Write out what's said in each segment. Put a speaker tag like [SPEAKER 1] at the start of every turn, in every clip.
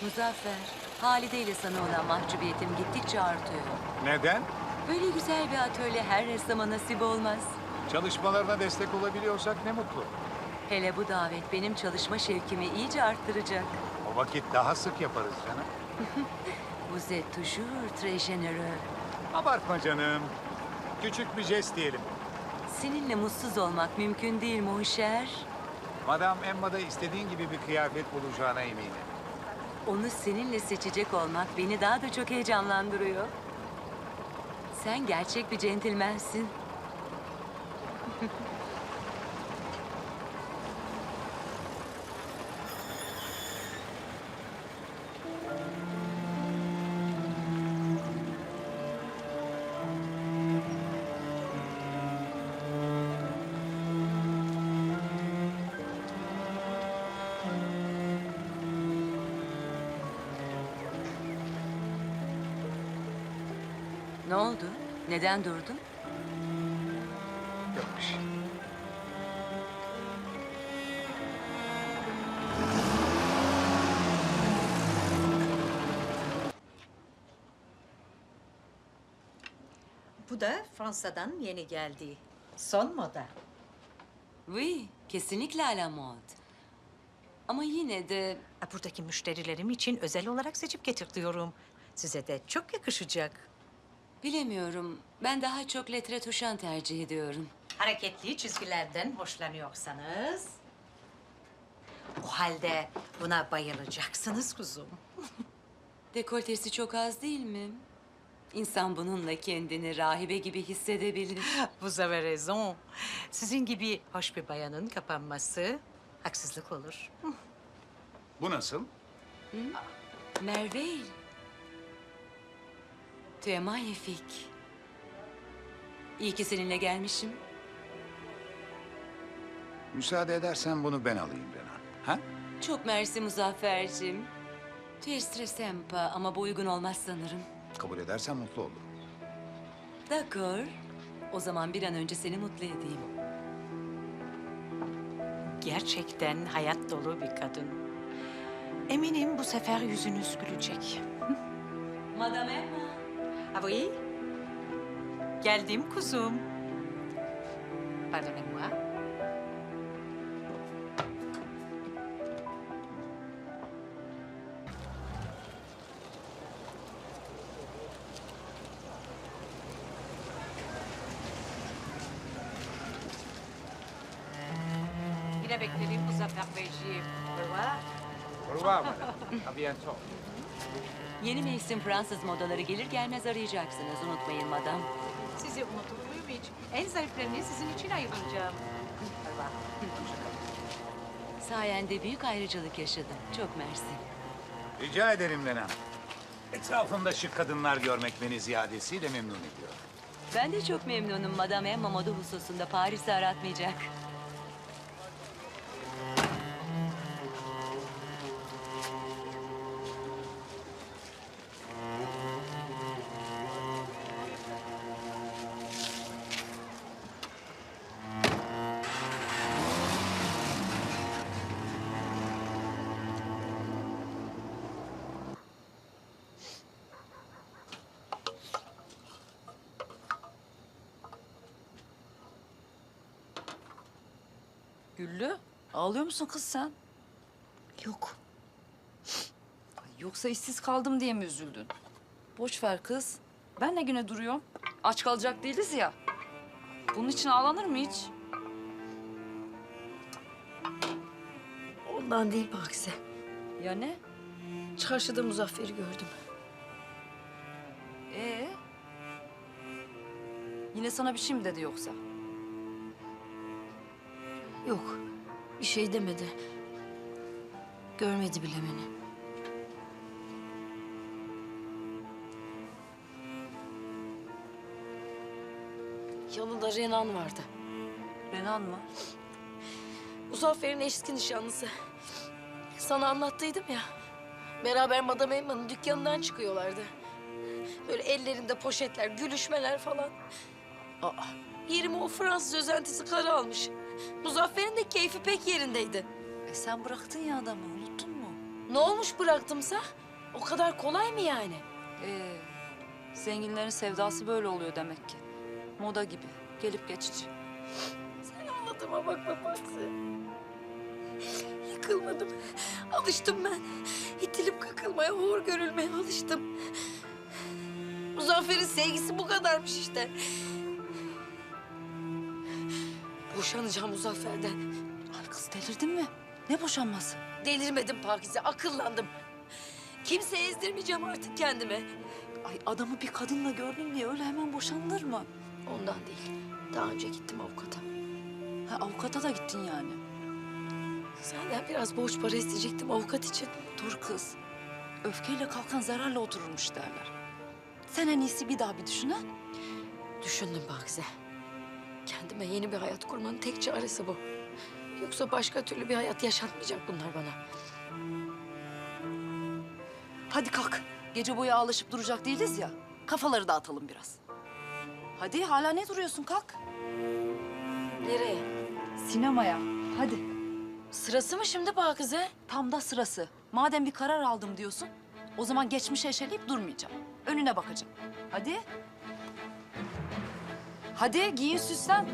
[SPEAKER 1] Muzaffer, Halide ile sana olan mahcubiyetim gittikçe artıyor.
[SPEAKER 2] Neden?
[SPEAKER 1] Böyle güzel bir atölye her ressama nasip olmaz.
[SPEAKER 2] Çalışmalarına destek olabiliyorsak ne mutlu.
[SPEAKER 1] Hele bu davet benim çalışma şevkimi iyice arttıracak.
[SPEAKER 2] O vakit daha sık yaparız canım.
[SPEAKER 1] Vous êtes toujours très généreux.
[SPEAKER 2] Abartma canım. Küçük bir jest diyelim.
[SPEAKER 1] Seninle mutsuz olmak mümkün değil mon cher.
[SPEAKER 2] Madame Emma'da istediğin gibi bir kıyafet bulacağına eminim.
[SPEAKER 1] Onu seninle seçecek olmak beni daha da çok heyecanlandırıyor. Sen gerçek bir centilmensin. Ne oldu? Neden durdun?
[SPEAKER 2] Yok bir şey.
[SPEAKER 3] Bu da Fransa'dan yeni geldi. Son moda.
[SPEAKER 1] Oui, kesinlikle à la mode. Ama yine de
[SPEAKER 3] Buradaki müşterilerim için özel olarak seçip getirtiyorum. Size de çok yakışacak.
[SPEAKER 1] bilemiyorum. Ben daha çok lettre touchant tercih ediyorum.
[SPEAKER 3] Hareketli çizgilerden hoşlanıyorsanız... O halde buna bayılacaksınız kuzum.
[SPEAKER 1] Dekoltesi çok az değil mi? İnsan bununla kendini rahibe gibi hissedebilir.
[SPEAKER 3] Vous avez raison. Sizin gibi hoş bir bayanın kapanması haksızlık olur.
[SPEAKER 2] Bu nasıl?
[SPEAKER 1] Merveille. Tu es magnifique. İyi ki seninle gelmişim.
[SPEAKER 2] Müsaade edersen bunu ben alayım Renan. Ha?
[SPEAKER 1] Çok mersi Muzaffer'cim. Tu es très sympa ama bu uygun olmaz sanırım.
[SPEAKER 2] Kabul edersen mutlu olurum.
[SPEAKER 1] D'accord. O zaman bir an önce seni mutlu edeyim.
[SPEAKER 3] Gerçekten hayat dolu bir kadın. Eminim bu sefer yüzünüz gülecek.
[SPEAKER 1] Madame Emma.
[SPEAKER 3] Ah oui? Geldim kuzum. Pardonnez-moi. Yine beklerim Muzaffer Beyciğim. Au revoir.
[SPEAKER 2] Au revoir madame. À bientôt.
[SPEAKER 1] Yeni mevsim Fransız modaları gelir gelmez arayacaksınız. Unutmayın madam.
[SPEAKER 3] Sizi unutur muyum hiç? En zariflerini sizin için ayıracağım. Au revoir.
[SPEAKER 1] Sayende büyük ayrıcalık yaşadım. Çok mersi.
[SPEAKER 2] Rica ederim Renan. Etrafımda şık kadınlar görmek beni ziyadesiyle memnun ediyor.
[SPEAKER 1] Ben de çok memnunum. Madame Emma moda hususunda Paris'i aratmayacak.
[SPEAKER 4] Güllü, ağlıyor musun kız sen?
[SPEAKER 5] Yok.
[SPEAKER 4] Ay, yoksa işsiz kaldım diye mi üzüldün? Boş ver kız. Ben ne güne duruyorum? Aç kalacak değiliz ya. Bunun için ağlanır mı hiç?
[SPEAKER 5] Ondan değil Pakize.
[SPEAKER 4] Ya ne?
[SPEAKER 5] Çarşıda Muzaffer'i gördüm.
[SPEAKER 4] Ee? Yine sana bir şey mi dedi yoksa?
[SPEAKER 5] Yok. Bir şey demedi. Görmedi bile beni. Yanında Renan vardı.
[SPEAKER 4] Renan mı?
[SPEAKER 5] Muzaffer'in eski nişanlısı. Sana anlattıydım ya. Beraber Madame Emma'nın dükkanından çıkıyorlardı. Böyle ellerinde poşetler, gülüşmeler falan. Aa, yerime o Fransız özentisi karı almış. Muzaffer'in de keyfi pek yerindeydi.
[SPEAKER 4] Sen bıraktın ya adamı, unuttun mu?
[SPEAKER 5] Ne olmuş bıraktımsa? O kadar kolay mı yani?
[SPEAKER 4] Zenginlerin sevdası böyle oluyor demek ki. Moda gibi, gelip geçici.
[SPEAKER 5] Sen anlatıma bak babası. Yıkılmadım. Alıştım ben. İtilip kakılmaya, hor görülmeye alıştım. Muzaffer'in sevgisi bu kadarmış işte. Boşanacağım Muzaffer'den.
[SPEAKER 4] Ay kız delirdin mi? Ne boşanması?
[SPEAKER 5] Delirmedim Pakize, akıllandım. Kimseye ezdirmeyeceğim artık kendime.
[SPEAKER 4] Ay adamı bir kadınla gördün diye öyle hemen boşanılır mı?
[SPEAKER 5] Ondan değil. Daha önce gittim avukata.
[SPEAKER 4] Ha avukata da gittin yani.
[SPEAKER 5] Senden biraz borç para isteyecektim avukat için.
[SPEAKER 4] Dur kız. Öfkeyle kalkan zararla otururmuş derler. Sen en iyisi bir daha bir düşün ha.
[SPEAKER 5] Düşündüm Pakize. Kendime yeni bir hayat kurmanın tek çaresi bu. Yoksa başka türlü bir hayat yaşatmayacak bunlar bana.
[SPEAKER 4] Hadi kalk. Gece boyu ağlaşıp duracak değiliz ya. Kafaları dağıtalım biraz. Hadi hala ne duruyorsun kalk.
[SPEAKER 5] Nereye?
[SPEAKER 4] Sinemaya. Hadi.
[SPEAKER 5] Sırası mı şimdi Pakize?
[SPEAKER 4] Tam da sırası. Madem bir karar aldım diyorsun, o zaman geçmişe eşeleyip durmayacağım. Önüne bakacağım. Hadi. Hadi giyin süslen.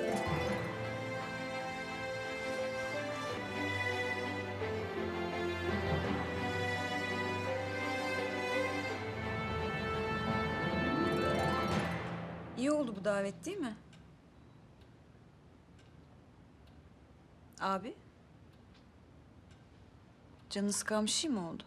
[SPEAKER 6] İyi oldu bu davet değil mi? Abi? Canını sıkan bir şey mi oldu?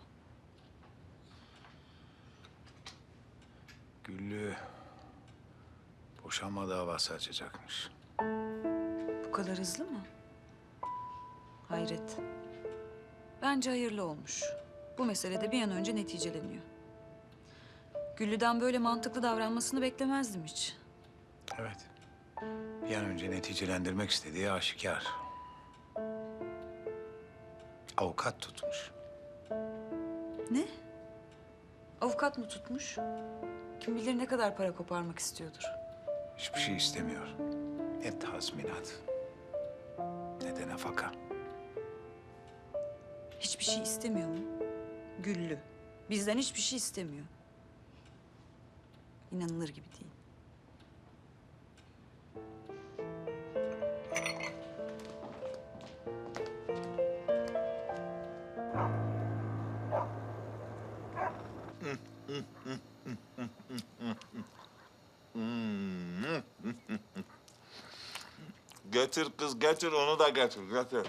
[SPEAKER 2] Güllü boşanma davası açacakmış.
[SPEAKER 6] Bu kadar hızlı mı? Hayret. Bence hayırlı olmuş. Bu meselede bir an önce neticeleniyor. Güllü'den böyle mantıklı davranmasını beklemezdim hiç.
[SPEAKER 2] Evet. Bir an önce neticelendirmek istediği aşikar. Avukat tutmuş.
[SPEAKER 6] Ne? Avukat mı tutmuş? Kim bilir ne kadar para koparmak istiyordur.
[SPEAKER 2] Hiçbir şey istemiyor. Ne tazminat, ne de nafaka.
[SPEAKER 6] Hiçbir şey istemiyor mu? Güllü. Bizden hiçbir şey istemiyor. İnanılır gibi değil.
[SPEAKER 7] Getir kız getir onu da getir getir.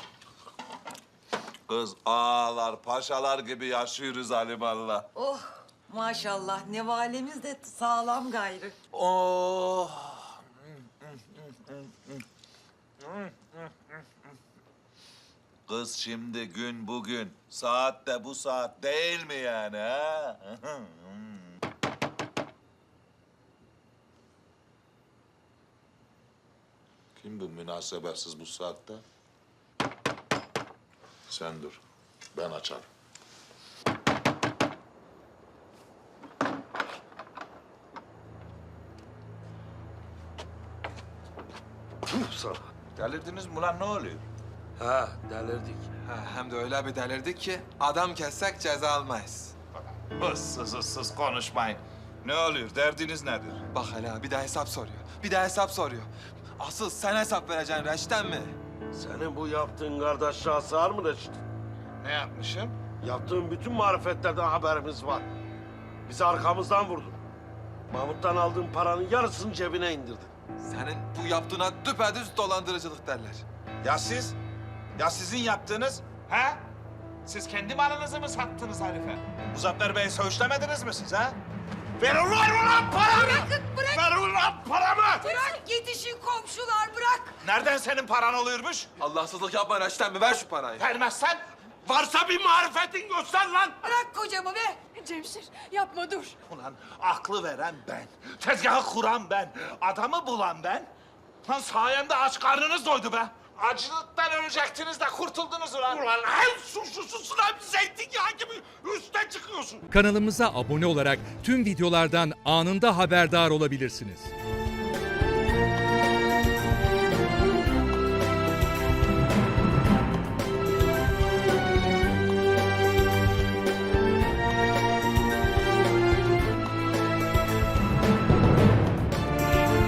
[SPEAKER 7] Kız ağalar paşalar gibi yaşıyoruz alimallah.
[SPEAKER 8] Oh maşallah ne valimiz de sağlam gayrı.
[SPEAKER 7] Oh. Kız şimdi gün bugün, saat de bu saat değil mi yani ha? Kim bu münasebetsiz bu saatte? Sen dur, ben açarım.
[SPEAKER 9] Sana.
[SPEAKER 7] Delirdiniz mi lan ne oluyor?
[SPEAKER 9] Ha, delirdik.
[SPEAKER 10] Ha, hem de öyle bir delirdik ki adam kessek ceza almayız.
[SPEAKER 7] Issız konuşmayın. Ne oluyor, derdiniz nedir?
[SPEAKER 10] Bak hele bir de hesap soruyor. Bir de hesap soruyor. Asıl sen hesap vereceksin Reşit'ten mi?
[SPEAKER 9] Senin bu yaptığın kardeşliğe sığar mı Reşit?
[SPEAKER 7] Ne yapmışım?
[SPEAKER 9] Yaptığın bütün marifetlerden haberimiz var. Bizi arkamızdan vurdun. Mahmut'tan aldığın paranın yarısını cebine indirdin.
[SPEAKER 10] Senin bu yaptığına düpedüz dolandırıcılık derler.
[SPEAKER 7] Ya siz? Ya sizin yaptığınız? Ha? Siz kendi malınızı mı sattınız herife? Muzaffer Bey'i söğüşlemediniz mi siz ha? Ver ulan paramı! Bırak! Ver ulan paramı!
[SPEAKER 8] Bırak yetişin komşular bırak.
[SPEAKER 7] Nereden senin paran oluyormuş?
[SPEAKER 10] Allahsızlık yapma Reşit'ten mi? Ver şu parayı.
[SPEAKER 7] Vermezsen
[SPEAKER 9] Varsa bir marifetin göster lan!
[SPEAKER 8] Bırak kocamı be. Cemşir yapma dur.
[SPEAKER 7] ulan aklı veren ben, tezgahı kuran ben, adamı bulan ben. Lan sayemde aç karnınız doydu be. Acılıktan ölecektiniz de kurtuldunuz ulan.
[SPEAKER 9] Ulan en suçlususun hem zeytinyağı gibi üste çıkıyorsun.
[SPEAKER 11] Kanalımıza abone olarak tüm videolardan anında haberdar olabilirsiniz.